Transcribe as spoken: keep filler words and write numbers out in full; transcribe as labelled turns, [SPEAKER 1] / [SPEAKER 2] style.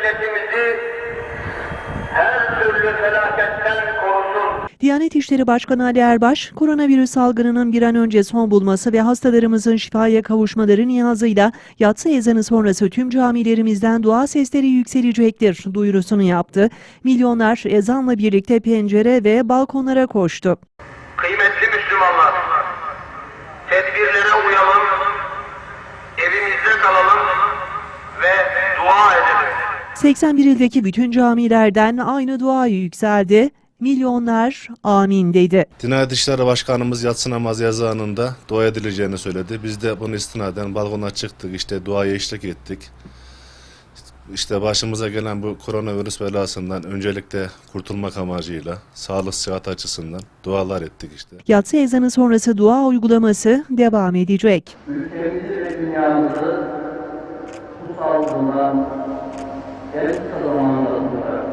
[SPEAKER 1] milletimizi her türlü felaketten korusun.
[SPEAKER 2] Diyanet İşleri Başkanı Ali Erbaş, koronavirüs salgınının bir an önce son bulması ve hastalarımızın şifaya kavuşmaları niyazıyla yatsı ezanı sonrası tüm camilerimizden dua sesleri yükselecektir duyurusunu yaptı. Milyonlar ezanla birlikte pencere ve balkonlara koştu.
[SPEAKER 1] Kıymetli Müslümanlar, tedbirlere uyalım, evimizde kalalım ve dua edelim.
[SPEAKER 2] seksen bir ildeki bütün camilerden aynı dua yükseldi. Milyonlar amin dedi.
[SPEAKER 3] Diyanet İşleri Başkanımız yatsı namazı yazanında dua edileceğini söyledi. Biz de bunu istinaden balkona çıktık, işte duaya eşlik ettik. İşte başımıza gelen bu koronavirüs belasından öncelikle kurtulmak amacıyla, sağlık sıhhat açısından dualar ettik işte.
[SPEAKER 2] Yatsı ezanı sonrası dua uygulaması devam edecek.
[SPEAKER 4] Ülkemizi ve dünyamızı bu salgından en kısa zamanda